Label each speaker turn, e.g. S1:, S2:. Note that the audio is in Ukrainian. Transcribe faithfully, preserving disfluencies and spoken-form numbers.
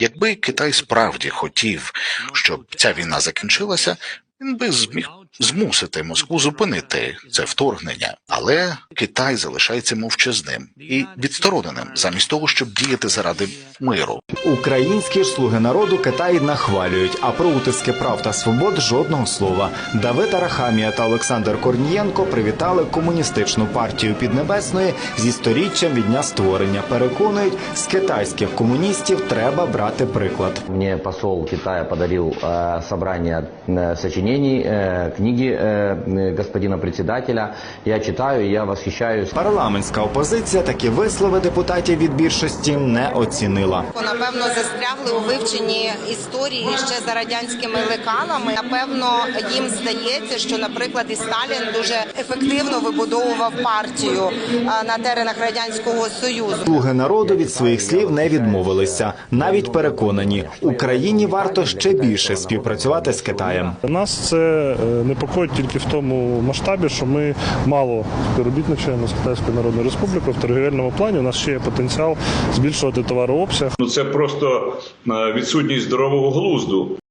S1: Якби Китай справді хотів, щоб ця війна закінчилася, він би зміг змусити Москву зупинити це вторгнення. Але Китай залишається мовчазним і відстороненим, замість того, щоб діяти заради миру.
S2: Українські ж слуги народу Китай нахвалюють, а про утиски прав та свобод жодного слова. Давид Арахамія та Олександр Корнієнко привітали комуністичну партію Піднебесної зі сторіччям від дня створення. Переконують, з китайських комуністів треба брати приклад.
S3: Мне посол Китая подарил э, собрание э, сочинений, э, книги э, господина председателя. Я читаю, я восхищаюсь.
S2: Парламентська опозиція такі вислови депутатів від більшості не оцінила.
S4: Напевно, застрягли у вивченні історії ще за радянськими лекалами. Напевно, їм здається, що, наприклад, і Сталін дуже ефективно вибудовував партію на теренах Радянського Союзу.
S2: Слуги народу від своїх слів не відмовилися. Навіть переконані, Україні варто ще більше співпрацювати з Китаєм.
S5: Нас це непокоїть тільки в тому масштабі, що ми мало співробітничаємо з Китайською Народною Республікою в торгівельному плані. У нас ще є потенціал збільшувати товарообсяг.
S6: Ну це просто відсутність здорового глузду.